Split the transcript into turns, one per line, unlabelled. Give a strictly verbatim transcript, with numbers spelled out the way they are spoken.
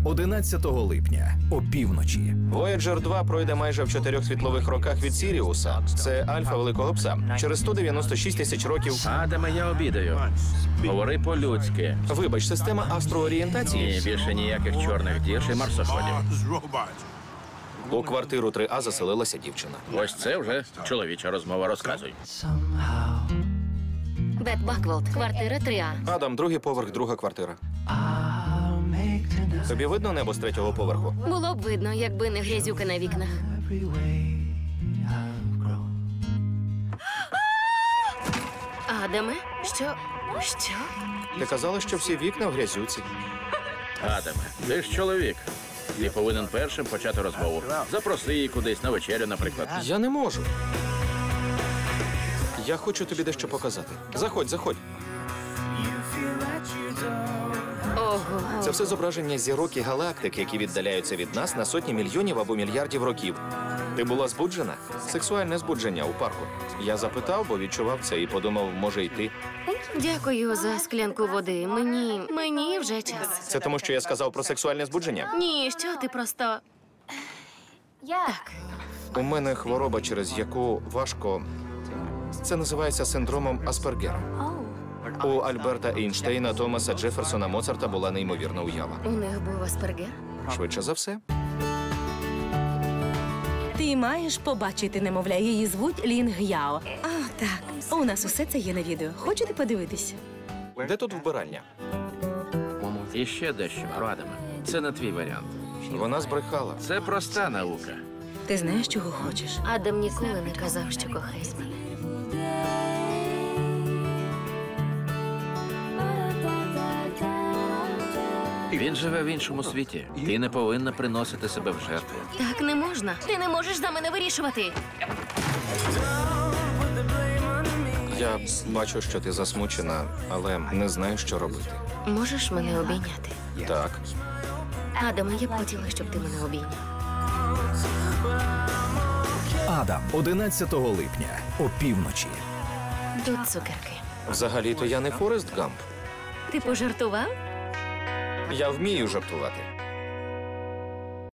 одинадцятого липня опівночі.
Вояджер два пройде майже в чотирьох світлових роках від Сіріуса. Це альфа Великого Пса. Через сто дев'яносто шість тисяч років...
Адаме, я обідаю. Говори по-людськи.
Вибач, система астроорієнтації?
Ні, більше ніяких чорних дір і марсоходів.
У квартиру три А заселилася дівчина.
Ось це вже чоловіча розмова, розказуй.
Бет Баквелд, квартира три А.
Адам, другий поверх, друга квартира. Тобі видно небо з третього поверху?
Було б видно, якби не грязюка на вікнах. Адаме, що? Що?
Ти казала, що всі вікна в грязюці.
Адаме, ти ж чоловік. Ти повинен першим почати розмову. Запроси її кудись на вечерю, наприклад.
Я не можу. Я хочу тобі дещо показати. Заходь, заходь.
Ого.
Це все зображення зірок і галактик, які віддаляються від нас на сотні мільйонів або мільярдів років. Ти була збуджена? Сексуальне збудження у парку. Я запитав, бо відчував це і подумав, може й ти.
Дякую за склянку води. Мені... Мені вже час.
Це тому, що я сказав про сексуальне збудження?
Ні, що ти просто... Так.
У мене хвороба, через яку важко... Це називається синдромом Аспергера. У Альберта Ейнштейна, Томаса Джеферсона, Моцарта була неймовірна уява.
У них був Аспергер?
Швидше за все.
Ти маєш побачити немовля. Її звуть Лінг Яо. А, так. У нас усе це є на відео. Хочете подивитися?
Де тут вбиральня?
І ще дещо, Адаме. Це не твій варіант.
Вона збрехала.
Це проста наука.
Ти знаєш, чого хочеш?
Адам ніколи не казав, що кохає мене.
Він живе в іншому світі. Ти не повинна приносити себе в жертву.
Так не можна. Ти не можеш за мене вирішувати.
Я бачу, що ти засмучена, але не знаю, що робити.
Можеш мене обійняти?
Так.
Адаме, я б хотіла, щоб ти мене обійняв.
Адам одинадцятого липня опівночі.
Тут цукерки.
Взагалі-то я не Форест Гамп.
Ти пожартував?
Я вмію жартувати.